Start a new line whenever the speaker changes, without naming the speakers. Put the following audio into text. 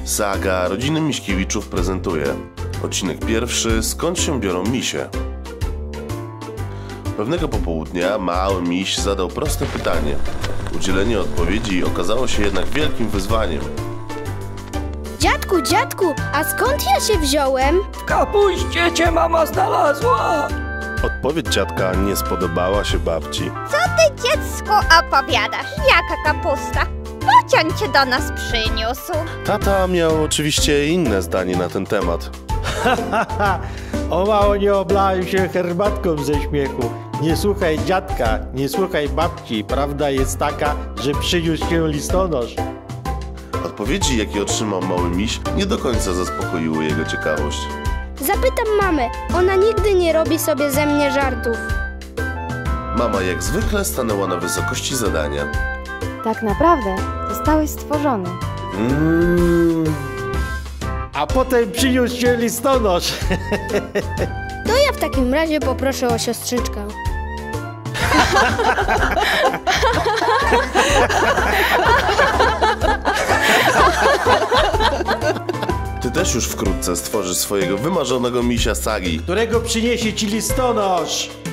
Saga rodziny Miśkiewiczów prezentuje odcinek pierwszy: skąd się biorą misie? Pewnego popołudnia mały miś zadał proste pytanie. Udzielenie odpowiedzi okazało się jednak wielkim wyzwaniem.
Dziadku, a skąd ja się wziąłem?
W kapuście cię mama znalazła!
Odpowiedź dziadka nie spodobała się babci.
Co ty, dziecku, opowiadasz? Jaka kapusta? Bocian cię do nas przyniósł.
Tata miał oczywiście inne zdanie na ten temat.
O mało nie oblałem się herbatką ze śmiechu. Nie słuchaj dziadka, nie słuchaj babci. Prawda jest taka, że przyniósł się listonosz.
Odpowiedzi, jakie otrzymał mały miś, nie do końca zaspokoiły jego ciekawość.
Zapytam mamę, ona nigdy nie robi sobie ze mnie żartów.
Mama jak zwykle stanęła na wysokości zadania.
Tak naprawdę zostałeś stworzony.
A potem przyniósł się listonosz.
To ja w takim razie poproszę o siostrzyczkę.
Ty też już wkrótce stworzysz swojego wymarzonego misia Sagi.
Którego przyniesie ci listonosz.